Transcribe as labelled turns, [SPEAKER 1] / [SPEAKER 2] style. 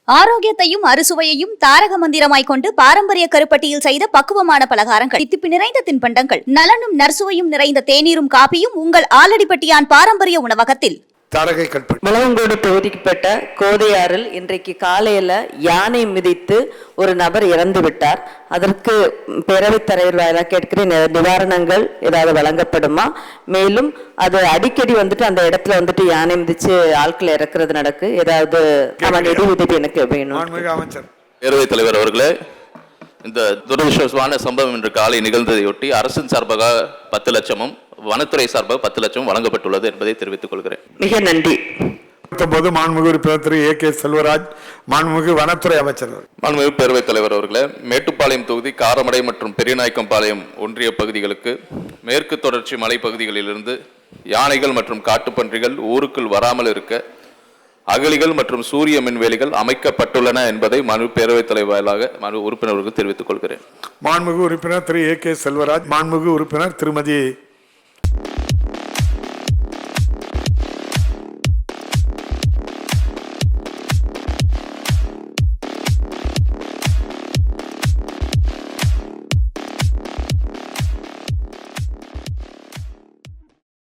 [SPEAKER 1] ஆரோக்கியத்தையும் அறுசுவையையும் தாரக மந்திரமாய் கொண்டு பாரம்பரிய கருப்பட்டியில் செய்த பக்குவமான பலகாரங்கள், தித்திப்பு நிறைந்த தின்பண்டங்கள், நலனும் நற்சுவையும் நிறைந்த தேநீரும் காபியும் உங்கள் ஆலடிப்பட்டியான் பாரம்பரிய உணவகத்தில்.
[SPEAKER 2] முழவங்கோடு தொகுதிக்குட்பட்ட கோதையாறில் இன்றைக்கு காலையில யானை மிதித்து ஒரு நபர் இறந்து விட்டார். அதற்கு பேரவைத் தலைவர் வாயிலாக கேட்கிற நிவாரணங்கள் ஏதாவது வழங்கப்படுமா? மேலும் அது அடிக்கடி வந்துட்டு அந்த இடத்துல வந்துட்டு யானை மிதிச்சு ஆட்கள் இறக்குறது நடக்கு, ஏதாவது நிதி உதவி எனக்கு வேணும்.
[SPEAKER 3] பேரவைத் தலைவர் அவர்களே, இந்த துரதிருஷ்டவசமான சம்பவம் இன்று காலை நிகழ்ந்ததையொட்டி அரசின் சார்பாக 10 லட்சமும் வனத்துறை சார்பாக 10 லட்சம் வழங்கப்பட்டுள்ளது என்பதை தெரிவித்துக் கொள்கிறேன்.
[SPEAKER 2] மிக நன்றி.
[SPEAKER 4] மாண்புமிகு உறுப்பினர் திரு A.K. செல்வராஜ், மாண்புமிகு வனத்துறை அமைச்சர்.
[SPEAKER 3] மாண்புமிகு பேரவைத் தலைவர் அவர்களே, மேட்டுப்பாளையம் தொகுதி காரமடை மற்றும் பெரியநாயக்கம்பாளையம் ஒன்றிய பகுதிகளுக்கு மேற்கு தொடர்ச்சி மலைப்பகுதிகளிலிருந்து யானைகள் மற்றும் காட்டுப்பன்றிகள் ஊருக்குள் வராமல் இருக்க அகழிகள் மற்றும் சூரிய மின்வேலிகள் அமைக்கப்பட்டுள்ளன என்பதை மனு பேரவைத் தலைவராக மனு உறுப்பினர்களுக்கு தெரிவித்துக் கொள்கிறேன்.
[SPEAKER 4] மாண்புமிகு உறுப்பினர் திரு A.K. செல்வராஜ், மாண்புமிகு உறுப்பினர் திருமதி